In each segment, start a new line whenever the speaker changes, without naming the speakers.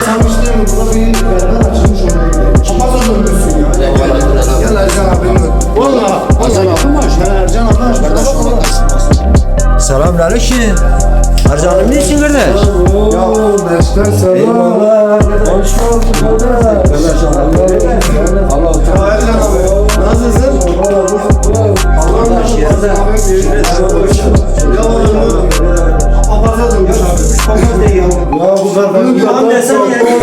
sanmıştım burada bir berber açılmış oraya gidelim. Papaz dönmüşsün ya. Gel Ercan abi. Valla.
Ercan abi mi açtı?
Ercan abi açtı.
Selamünaleyküm. Ercan'ım niçin kardeş?
Ya Neşter selam.
Hoş bulduk kardeş. Allah
Ercan abi. Nasılsın? Allah ya oğlum. Papaza dönmüş abi. Papaz değil ya. Ya bu kadar.
Lan desene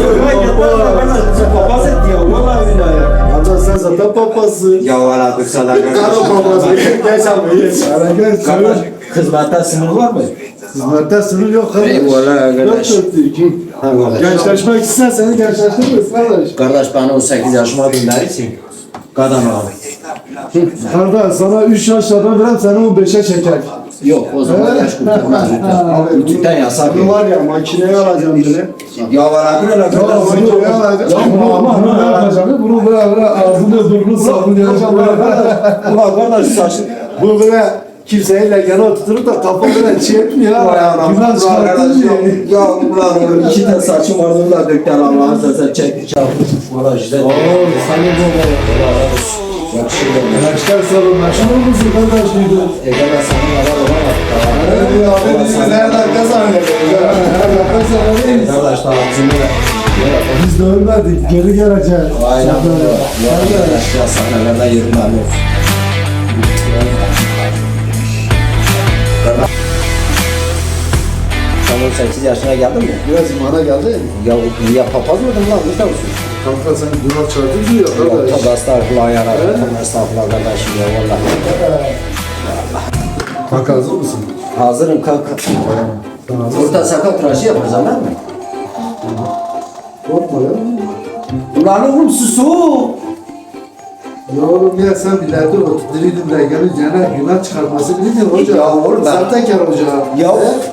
papaz etti ya. Vallahi billahi ya.
Hatta sen zaten papazsın.
Ya valla kısalar
Karo papazı. Gel sen buyur. Gel
kardeş. Hizmette sınır var mı?
Hizmette sınır yok kardeş.
Eyvallah kardeş.
4-4-2. Gençleşmek istersen seni gençleştiririz kardeş.
Kardeş bana 18 yaşıma gönderirsin. Kadın abi.
Kardeş sana 3 yaşlardan verem seni 15'e çeker.
Yok o zaman yaş kurtarmaz lütfen. Lütfen yasak.
Bunu var ya makineye alacağım bile.
Ya var abi öyle
Ya bunu ne alacağım? Bunu ne yapacağım? Bunu böyle ağzını burnunu sabunlayacağım.
Ulan kardeş saçın.
Bu böyle kimseyle yana oturup da kafa böyle çiğetmiyor.
Vay anam.
Günah çıkarttın diyor.
Ya ulan oğlum 2 tane saçım vardı onu da döktüler Allah'ın sözü çekti çarptı. Valla işte.
Oo, senin baba.
Yakışırdı.
Gençler sorun. Meşhur musun kardeş duydun?
Egemen sana yarar olamaz.
Nereden kazanıyoruz? Nereden kazanıyoruz?
Kardeş daha ağzını
Biz de ölmedik, geri geleceğiz.
aynen böyle. Ya aşağı sahnelerden yerim abi. Sen 18 yaşına geldin mi?
Biraz imana geldi.
Ya papaz mıydın lan? Ne olsun?
Kanka sen günah çaldın diyor
Ya
kardeş.
tabi estağfurullah ya Rabbi. Tabi estağfurullah kardeşim ya vallahi.
Kanka hazır mısın?
Hazırım kanka. Orta sakal tıraşı yapacağım değil mi?
Korkma ya.
Ulan oğlum susu.
Ya oğlum ya sen ileride oturtturuydun da geleceğine günah çıkartması bilmiyor hocam.
Ya oğlum ben-
Sahtekar hocam.
Ya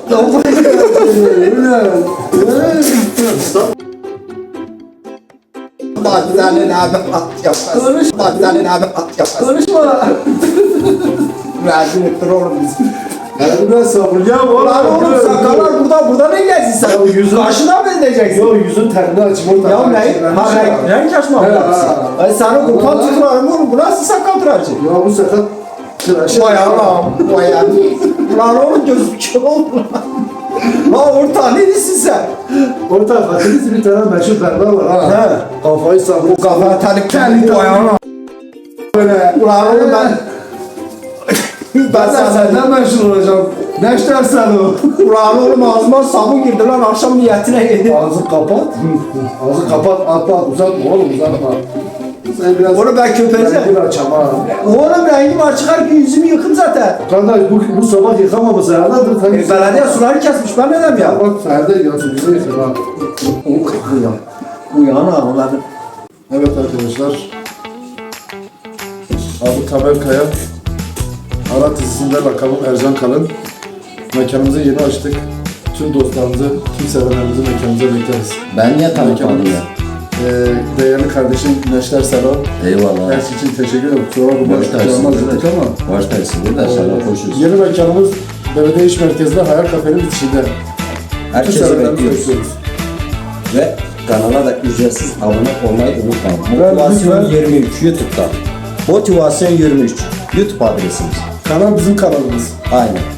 Bak senin abi at yapmaz.
Konuşma.
Bak senin abi at yapmaz.
Konuşma.
Rezil ettin oğlum bizi.
Yani ben sabır ya oğlum.
Lan oğlum sakallar burada ne gelsin sen?
yüzün-
Başına mı edeceksin?
Yo yüzün terini açıp orada.
Ya ne? Ha renk açma mı
He,
yapmışsın?
ha.
Ay sana kupan tutularım oğlum. Bu nasıl sakal tıraşı?
Ya bu sefer tıraşı.
Vay Allah'ım. Vay Allah'ım. Lan oğlum gözüm kör oldu lan. Lan orta neredesin sen?
Orta Fatih'in bir tane meşhur berber var ha.
He.
Kafayı sallıyor.
Bu kafana terlik vay Allah'ım.
Böyle.
Ulan oğlum ben...
Ben de senden meşhur olacağım. Neşter sen o.
Ulan oğlum ağzıma sabun girdi lan akşam niyetine yedi.
Ağzı kapat. Ağzı kapat. Atla uzatma oğlum uzatma. Sen biraz...
Oğlum ben köpeceğim.
Bir açam ha.
Oğlum rengim açık her gün yüzümü yıkım zaten.
Kardeş bu sabah yıkamaması herhalde.
Belediye suları kesmiş ben neden ya?
Ya bak Ferdi yansın bize yıkır ha.
Uyan ağam ben.
Evet arkadaşlar. Adı Tamer Kaya. Arat dizisinde lakabım Ercan Kalın. Mekanımızı yeni açtık. Tüm dostlarımızı, tüm sevenlerimizi mekanımıza bekleriz.
Ben niye tanıtmadım ya?
Değerli kardeşim Neşter Selam.
Eyvallah.
Her şey için teşekkür ederim. Kusura bakma.
Baş tacısın.
Yaptık ama.
Baş tacısın da sana koşuyoruz.
Yeni mekanımız Belediye İş Merkezi'nde Hayal Kafe'nin bitişinde.
Herkesi
sevenlerimizi
bekliyoruz. Ve kanala da ücretsiz abone olmayı unutmayın.
Ben
Motivasyon
lütfen-
23 YouTube'da. Motivasyon 23 YouTube adresimiz.
Kanal bizim kanalımız.
Aynen.